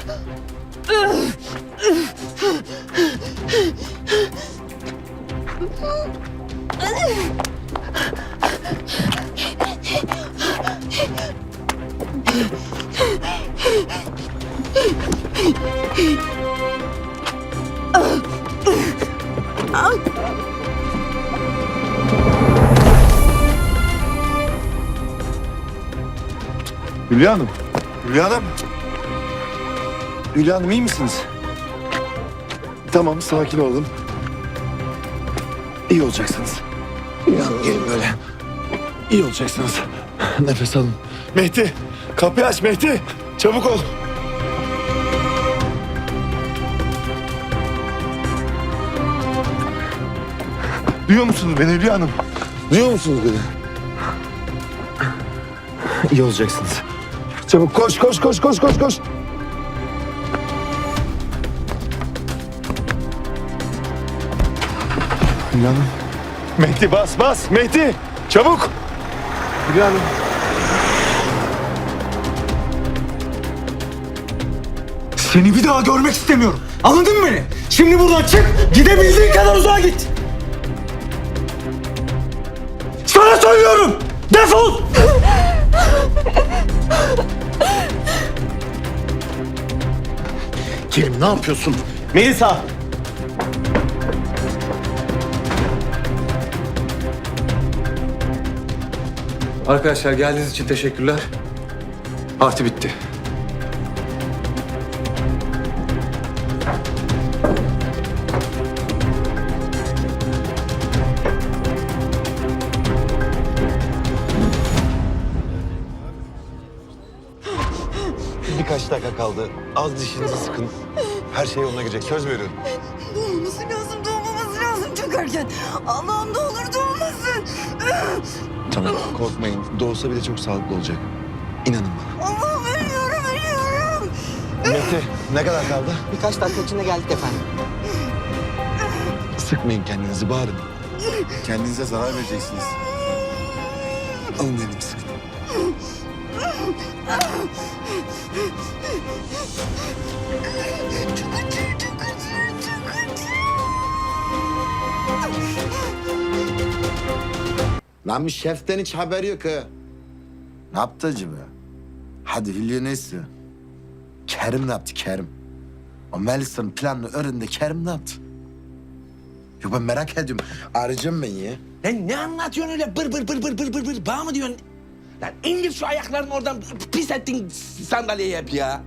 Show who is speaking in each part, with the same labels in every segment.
Speaker 1: Hülya Hanım. Hülya Hanım. Hülya Hanım iyi misiniz? Tamam sakin olun. İyi olacaksınız. Hülya Hanım gelin böyle. İyi olacaksınız. Nefes alın. Mehdi kapıyı aç Mehdi. Çabuk ol. Duyuyor musunuz beni Hülya Hanım? Duyuyor musunuz beni? İyi olacaksınız. Çabuk koş. Hülya Hanım. Mehdi bas. Mehdi çabuk. Hülya Hanım.
Speaker 2: Seni bir daha görmek istemiyorum. Anladın mı beni? Şimdi buradan çık, gidebildiğin kadar uzağa git. Sana söylüyorum! Defol!
Speaker 1: Kerim ne yapıyorsun?
Speaker 2: Melisa!
Speaker 3: Arkadaşlar geldiğiniz için teşekkürler. Parti bitti.
Speaker 1: Birkaç dakika kaldı. Az dişinizi sıkın. Her şey yoluna girecek. Söz veriyorum.
Speaker 4: Doğmaması lazım çok erken. Allah'ım ne olur doğmasın.
Speaker 1: Tamam korkmayın. Doğsa bile çok sağlıklı olacak. İnanın bana.
Speaker 4: Allah'ım ölüyorum.
Speaker 1: Mehdi ne kadar kaldı?
Speaker 5: Birkaç dakika içinde geldik efendim.
Speaker 1: Sıkmayın kendinizi, bağırın. Kendinize zarar vereceksiniz. Alın elimi sıkın.
Speaker 6: Lan bir şeften hiç haberi yok ha. Ne yaptı acaba? Hadi Hülya ne istiyor? Kerim ne yaptı Kerim? O Melisa'nın planını öğrendi Kerim ne yaptı? Yok ben merak ediyorum. Arayacağım ben ya.
Speaker 5: Lan ne anlatıyorsun öyle bır bana mı diyorsun? Lan indir şu ayaklarını oradan pis ettin sandalyeye hep ya.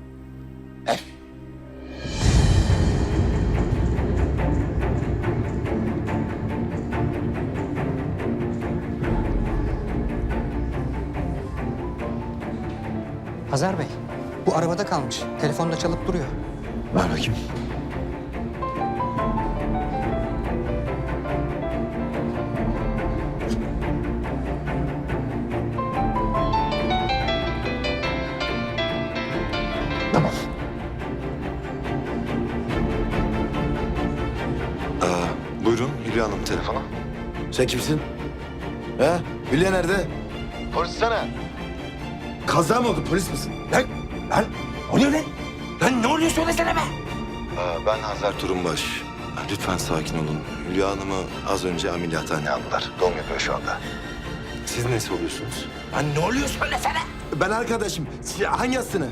Speaker 7: Hazar Bey, bu arabada kalmış. Telefonda çalıp duruyor.
Speaker 1: Ver bakayım. Tamam. Buyurun Hülya Hanım telefonu.
Speaker 6: Sen kimsin? He? Hülya nerede? Polis sana. Kaza mı oldu? Polis misin?
Speaker 5: Lan ne oluyor lan? Lan ne oluyor söylesene be.
Speaker 1: Ben Hazar Turunbaş. Lütfen sakin olun. Hülya Hanım'ı az önce ameliyathaneye aldılar. Doğum yapıyor şu anda. Siz nesi oluyorsunuz?
Speaker 5: Lan ne oluyor söylesene.
Speaker 6: Ben arkadaşım. Hangi hastane?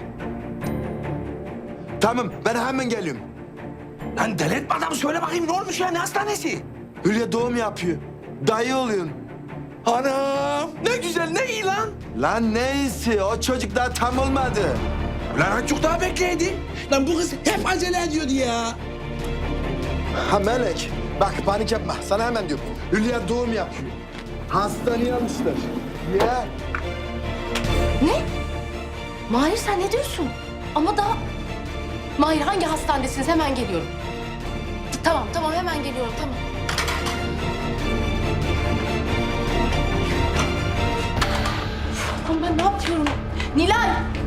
Speaker 6: Tamam ben hemen geliyorum.
Speaker 5: Lan deli etme adamı söyle bakayım ne olmuş ya ne hastanesi?
Speaker 6: Hülya doğum yapıyor. Dayı oluyorsun.
Speaker 5: Anam ne güzel ne iyi lan.
Speaker 6: Lan neyse o çocuk daha tam olmadı.
Speaker 5: Lan azıcık daha bekleydi. Lan bu kız hep acele ediyordu ya.
Speaker 6: Ha Melek bak panik yapma sana hemen diyorum. Hülya doğum yapıyor. Hastaneye almışlar. Ya.
Speaker 8: Ne? Mahir sen ne diyorsun? Ama daha... Mahir hangi hastanedesiniz? Hemen geliyorum. Tamam hemen geliyorum tamam. Tamam ben ne yapıyorum? Nilay!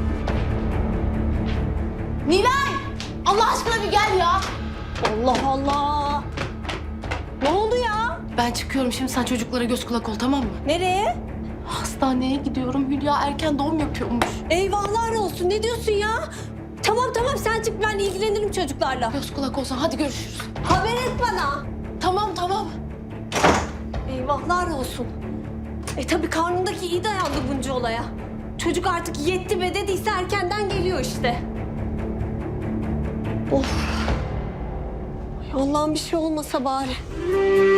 Speaker 8: Nilay! Allah aşkına bir gel ya.
Speaker 4: Allah Allah. Ne oldu ya?
Speaker 8: Ben çıkıyorum şimdi sen çocuklara göz kulak ol tamam mı?
Speaker 4: Nereye?
Speaker 8: Hastaneye gidiyorum. Hülya erken doğum yapıyormuş.
Speaker 4: Eyvahlar olsun. Ne diyorsun ya? Tamam tamam sen çık ben ilgilenirim çocuklarla.
Speaker 8: Göz kulak olsun. Hadi görüşürüz.
Speaker 4: Haber et bana.
Speaker 8: Tamam.
Speaker 4: Eyvahlar olsun. Tabii karnındaki iyi dayandı bunca olaya. Çocuk artık yetti be dediyse erkenden geliyor işte. Of. Ay Allah'ım bir şey olmasa bari.